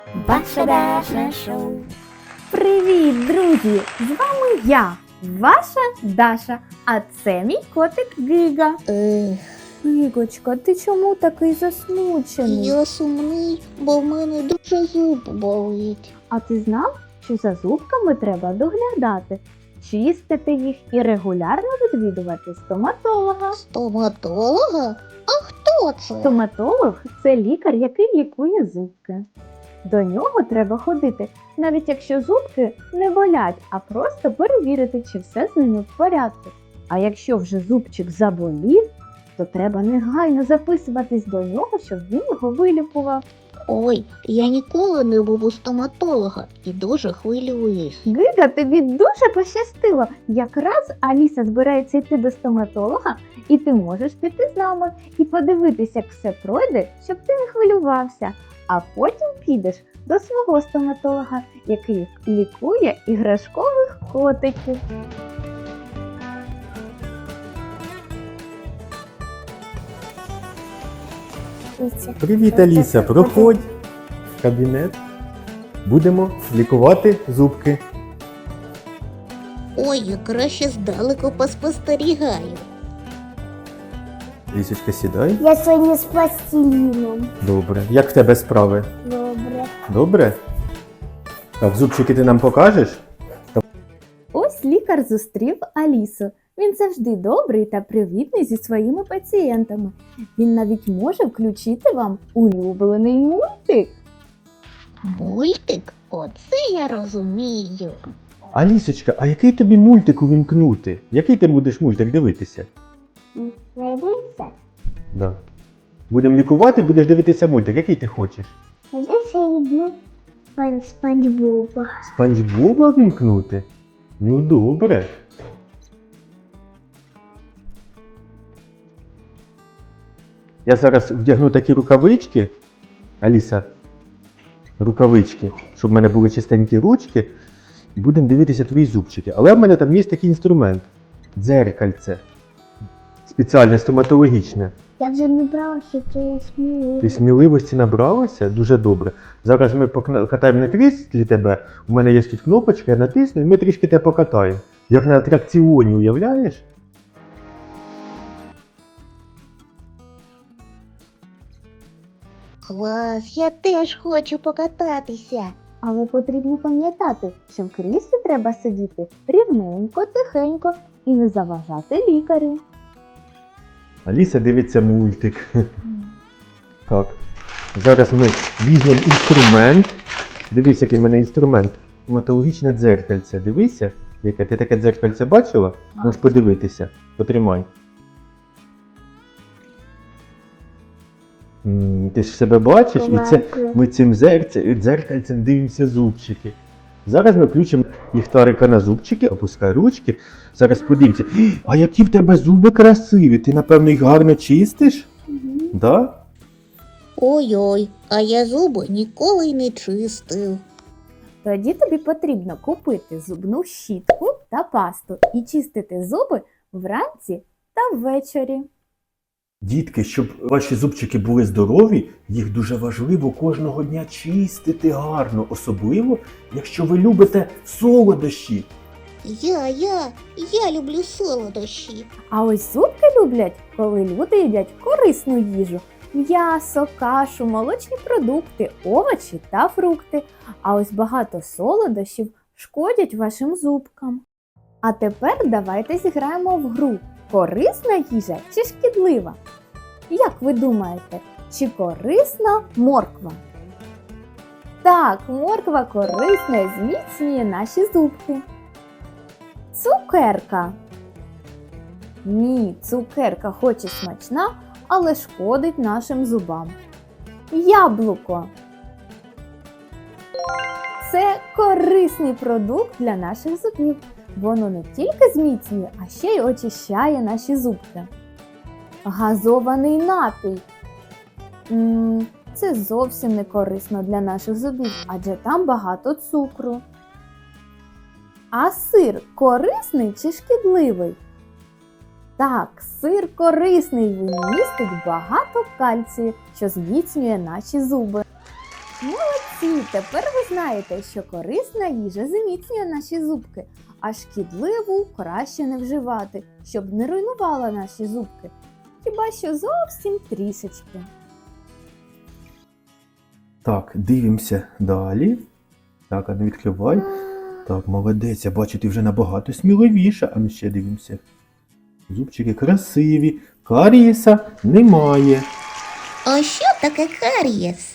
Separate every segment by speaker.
Speaker 1: Ваше Даша Шоу.
Speaker 2: Привіт, друзі! З вами я, ваша Даша, а це мій котик Гига. Гигочка, ти чому такий засмучений?
Speaker 1: Я сумний, бо в мене дуже зуб болить.
Speaker 2: А ти знав, що за зубками треба доглядати, чистити їх і регулярно відвідувати стоматолога?
Speaker 1: Стоматолога? А хто це?
Speaker 2: Стоматолог – це лікар, який лікує зубки. До нього треба ходити, навіть якщо зубки не болять, а просто перевірити, чи все з ними в порядку. А якщо вже зубчик заболів, то треба негайно записуватись до нього, щоб він його вилікував.
Speaker 1: Ой, я ніколи не був у стоматолога і дуже хвилююсь.
Speaker 2: Гига, тобі дуже пощастило. Якраз Аліса збирається йти до стоматолога, і ти можеш піти з нами і подивитися, як все пройде, щоб ти не хвилювався. А потім підеш до свого стоматолога, який лікує іграшкових котиків.
Speaker 3: Привіт, Аліса, проходь в кабінет. Будемо лікувати зубки.
Speaker 1: Ой, я краще здалеку поспостерігаю.
Speaker 3: Лісочка, сідай.
Speaker 4: Я сьогодні з пластиліном.
Speaker 3: Добре. Як в тебе справи?
Speaker 4: Добре.
Speaker 3: Добре? Так, зубчики ти нам покажеш?
Speaker 2: Ось лікар зустрів Алісу. Він завжди добрий та привітний зі своїми пацієнтами. Він навіть може включити вам улюблений мультик.
Speaker 1: Мультик? Оце я розумію.
Speaker 3: Алісочка, а який тобі мультик увімкнути? Який ти будеш мультик дивитися?
Speaker 4: Найдеться?
Speaker 3: Да. Будемо лікувати, будеш дивитися мультик. Який ти хочеш?
Speaker 4: Найдеться йду Спанч Боба.
Speaker 3: Спанч Боба вімкнути? Ну добре. Я зараз вдягну такі рукавички, Аліса, рукавички, щоб в мене були чистенькі ручки, і будемо дивитися твої зубчики. Але в мене там є такий інструмент – дзеркальце, спеціальне, стоматологічне.
Speaker 4: Я вже не брала, що це сміливо.
Speaker 3: Ти сміливості набралася? Дуже добре. Зараз ми покатаємо на кріслі тебе, у мене є тут кнопочка, я натисну і ми трішки тебе покатаємо. Як на атракціоні, уявляєш?
Speaker 1: Клас, я теж хочу покататися.
Speaker 2: Але потрібно пам'ятати, що в кріслі треба сидіти рівненько, тихенько і не заважати лікарю.
Speaker 3: Аліса дивиться мультик. Так. Зараз ми візьмемо інструмент. Дивись, який в мене інструмент. Стоматологічне дзеркальце. Дивися, яке ти таке дзеркальце бачила? Можеш подивитися. Потримай. Ти ж себе бачиш? І це ми цим дзеркальцем дивимося зубчики. Зараз ми включимо ліхтарика на зубчики, опускай ручки. Зараз подивимося. А які в тебе зуби красиві! Ти, напевно, їх гарно чистиш? Да?
Speaker 1: Ой-ой, а я зуби ніколи й не чистив.
Speaker 2: Тоді тобі потрібно купити зубну щітку та пасту і чистити зуби вранці та ввечері.
Speaker 3: Дітки, щоб ваші зубчики були здорові, їх дуже важливо кожного дня чистити гарно, особливо, якщо ви любите солодощі.
Speaker 1: Я люблю солодощі.
Speaker 2: А ось зубки люблять, коли люди їдять корисну їжу. М'ясо, кашу, молочні продукти, овочі та фрукти. А ось багато солодощів шкодять вашим зубкам. А тепер давайте зіграємо в гру «Корисна їжа чи шкідлива?». Як ви думаєте, чи корисна морква? Так, морква корисна і зміцнює наші зубки. Цукерка. Ні, цукерка хоч і смачна, але шкодить нашим зубам. Яблуко. Це корисний продукт для наших зубів. Воно не тільки зміцнює, а ще й очищає наші зубки. Газований напій. Це зовсім не корисно для наших зубів, адже там багато цукру. А сир корисний чи шкідливий? Так, сир корисний, він містить багато кальцію, що зміцнює наші зуби. Молодці! Тепер ви знаєте, що корисна їжа зміцнює наші зубки, а шкідливу краще не вживати, щоб не руйнувала наші зубки. Хіба що зовсім трішечки.
Speaker 3: Так, дивимося далі. Так, а не відкривай. Так, молодець, я бачу, ти вже набагато сміливіша. А ми ще дивимося. Зубчики красиві, карієса немає.
Speaker 1: А що таке карієс?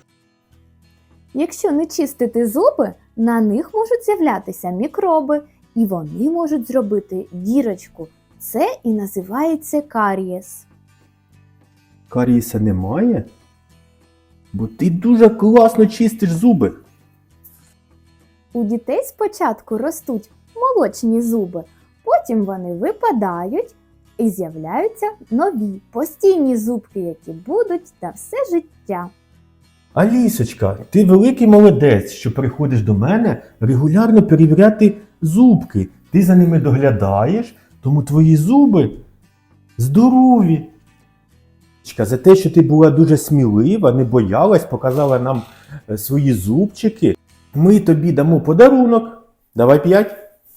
Speaker 2: Якщо не чистити зуби, на них можуть з'являтися мікроби, і вони можуть зробити дірочку. Це і називається карієс.
Speaker 3: Карієса немає? Бо ти дуже класно чистиш зуби.
Speaker 2: У дітей спочатку ростуть молочні зуби, потім вони випадають і з'являються нові, постійні зубки, які будуть на все життя.
Speaker 3: Алісочка, ти великий молодець, що приходиш до мене регулярно перевіряти зубки. Ти за ними доглядаєш, тому твої зуби здорові. За те, що ти була дуже смілива, не боялась, показала нам свої зубчики, ми тобі дамо подарунок. Давай 5.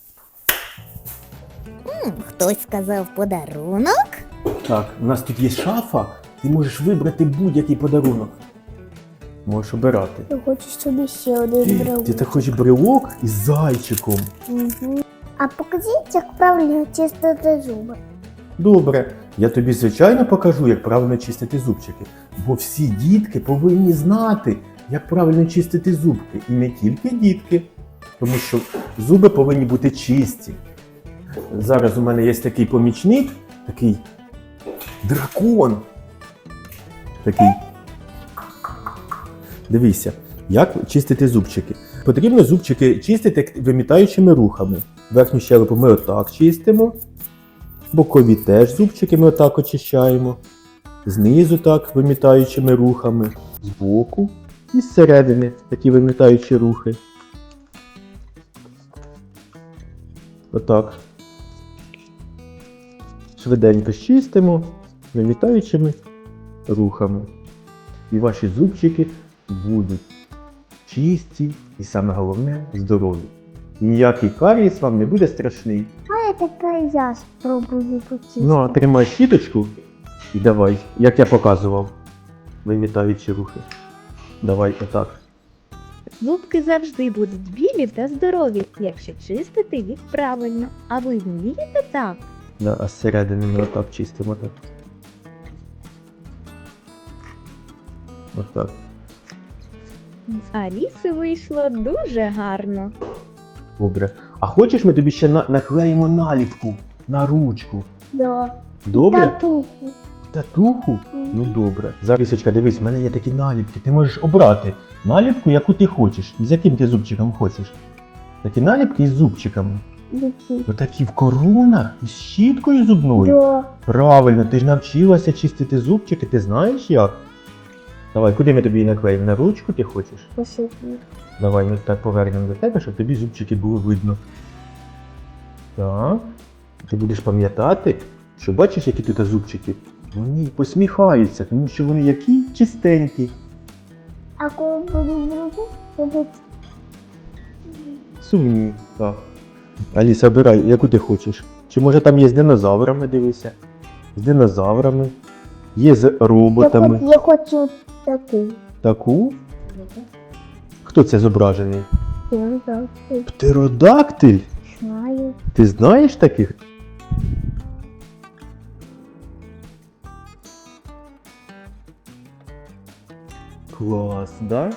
Speaker 1: Хтось сказав подарунок?
Speaker 3: Так, у нас тут є шафа, ти можеш вибрати будь-який подарунок. Можеш обирати.
Speaker 4: Я хочу собі ще один брелок.
Speaker 3: Ти так хочеш брелок із зайчиком.
Speaker 4: Угу. А покажіть, як правильно чистити зуби.
Speaker 3: Добре, я тобі звичайно покажу, як правильно чистити зубчики. Бо всі дітки повинні знати, як правильно чистити зубки. І не тільки дітки, тому що зуби повинні бути чисті. Зараз у мене є такий помічник, такий дракон. Такий. Дивіться, як чистити зубчики. Потрібно зубчики чистити вимітаючими рухами. Верхню щелепу ми отак чистимо. Бокові теж зубчики ми отак очищаємо. Знизу так вимітаючими рухами. Збоку і зсередини такі вимітаючі рухи. Отак. Швиденько чистимо вимітаючими рухами. І ваші зубчики будуть чисті і саме головне здорові. Ніякий карієс вам не буде страшний.
Speaker 4: А тепер я спробую почистити.
Speaker 3: Ну, а тримай щіточку і давай, як я показував, вимітаючи рухи. Давай отак.
Speaker 5: Зубки завжди будуть білі та здорові, якщо чистити їх правильно. А ви вмієте так?
Speaker 3: Да, а зсередини ми отак чистимо так. Отак.
Speaker 5: З Аліси вийшло дуже гарно.
Speaker 3: Добре. А хочеш, ми тобі ще наклеїмо наліпку на ручку?
Speaker 4: Да.
Speaker 3: Добре?
Speaker 4: Татуху.
Speaker 3: Татуху? Ну добре. Зарисочка, дивись, в мене є такі наліпки. Ти можеш обрати наліпку, яку ти хочеш. З яким ти зубчиком хочеш. Такі наліпки із зубчиками.
Speaker 4: Які?
Speaker 3: Отакі в коронах із щіткою зубною.
Speaker 4: Да.
Speaker 3: Правильно, ти ж навчилася чистити зубчики, ти знаєш як? Давай, куди ми тобі її наклеїмо? На ручку ти хочеш?
Speaker 4: Посипні.
Speaker 3: Давай ми так повернемо до тебе, щоб тобі зубчики було видно. Так. Ти будеш пам'ятати, що бачиш, які тут зубчики? Вони посміхаються, тому що вони які чистенькі.
Speaker 4: А коли буду другу, робити
Speaker 3: Сумні. Так. Аліса, обирай, яку ти хочеш. Чи може там є з динозаврами, дивися. З динозаврами. Є з роботами.
Speaker 4: Я хочу таку.
Speaker 3: Таку? Хто це зображений?
Speaker 4: Я так
Speaker 3: Птеродактиль?
Speaker 4: знаю.
Speaker 3: Ти знаєш таких? Клас, да?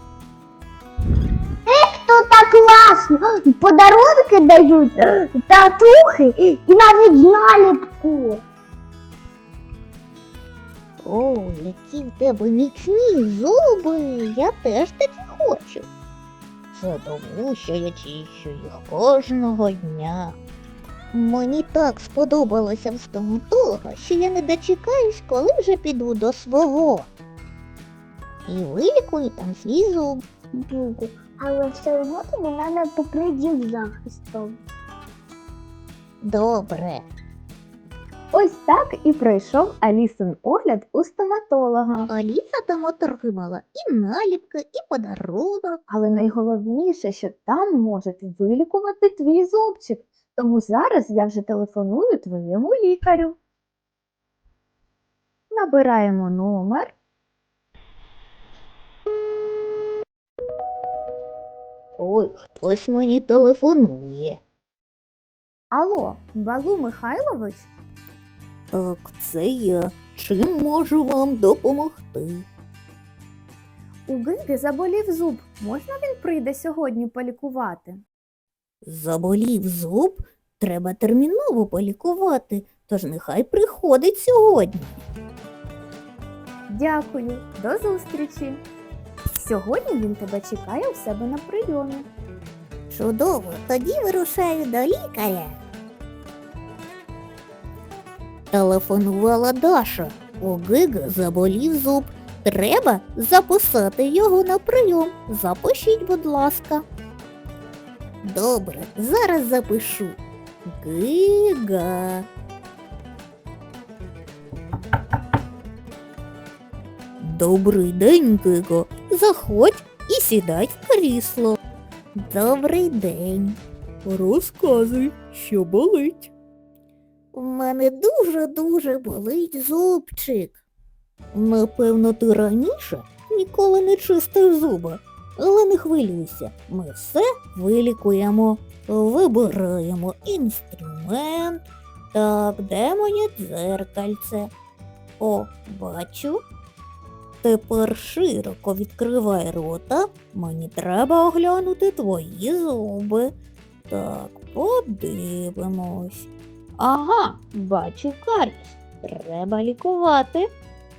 Speaker 4: Тут так класно. Подарунки дають, татухи і навіть наліпку.
Speaker 1: О, які в тебе міцні зуби, я теж такі хочу. Це тому, що я чищу їх кожного дня. Мені так сподобалося в стоматолога, що я не дочекаюсь, коли вже піду до свого. І вилікую там свій зуб.
Speaker 4: Буду. Але все одно тобі треба покрити захистом.
Speaker 1: Добре.
Speaker 2: Ось так і пройшов Алісин огляд у стоматолога.
Speaker 1: Аліса там отримала і наліпки, і подарунок.
Speaker 2: Але найголовніше, що там можуть вилікувати твій зубчик. Тому зараз я вже телефоную твоєму лікарю. Набираємо номер.
Speaker 1: Ой, хтось мені телефонує.
Speaker 2: Алло, Балу Михайлович?
Speaker 1: Так, це я. Чим можу вам допомогти?
Speaker 2: У Гиги заболів зуб. Можна він прийде сьогодні полікувати?
Speaker 1: Заболів зуб? Треба терміново полікувати, тож нехай приходить сьогодні.
Speaker 2: Дякую, до зустрічі. Сьогодні він тебе чекає у себе на прийомі.
Speaker 1: Чудово, тоді вирушаю до лікаря. Телефонувала Даша. У Гиги заболів зуб. Треба записати його на прийом. Запишіть, будь ласка. Добре, зараз запишу. Гига. Добрий день, Гиго. Заходь і сідай в крісло. Добрий день. Розказуй, що болить. У мене дуже-дуже болить зубчик. Напевно, ти раніше ніколи не чистив зуби. Але не хвилюйся, ми все вилікуємо. Вибираємо інструмент. Так, де моє дзеркальце? О, бачу. Тепер широко відкривай рота. Мені треба оглянути твої зуби. Так, подивимось. Ага, бачу каріс. Треба лікувати.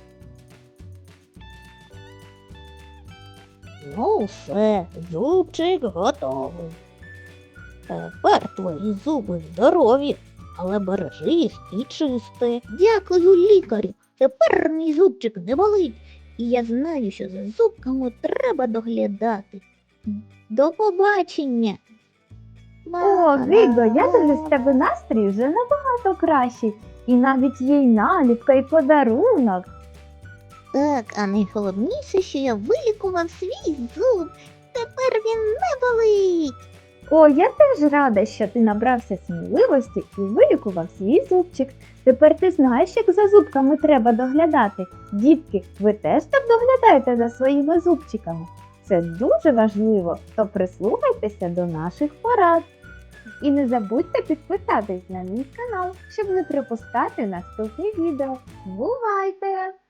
Speaker 1: Ну все, зубчик готовий. Тепер твої зуби здорові, але бережи їх і чисти. Дякую, лікарю. Тепер мій зубчик не болить. І я знаю, що за зубками треба доглядати. До побачення.
Speaker 2: О, Гиго, я дивлюсь, з тебе настрій вже набагато кращий. І навіть є й наліпка, і подарунок.
Speaker 1: Так, а найголовніше, що я вилікував свій зуб. Тепер він не болить.
Speaker 2: О, я теж рада, що ти набрався сміливості і вилікував свій зубчик. Тепер ти знаєш, як за зубками треба доглядати. Дітки, ви теж так доглядаєте за своїми зубчиками? Це дуже важливо, то прислухайтеся до наших порад. І не забудьте підписатись на мій канал, щоб не пропускати наступні відео. Бувайте!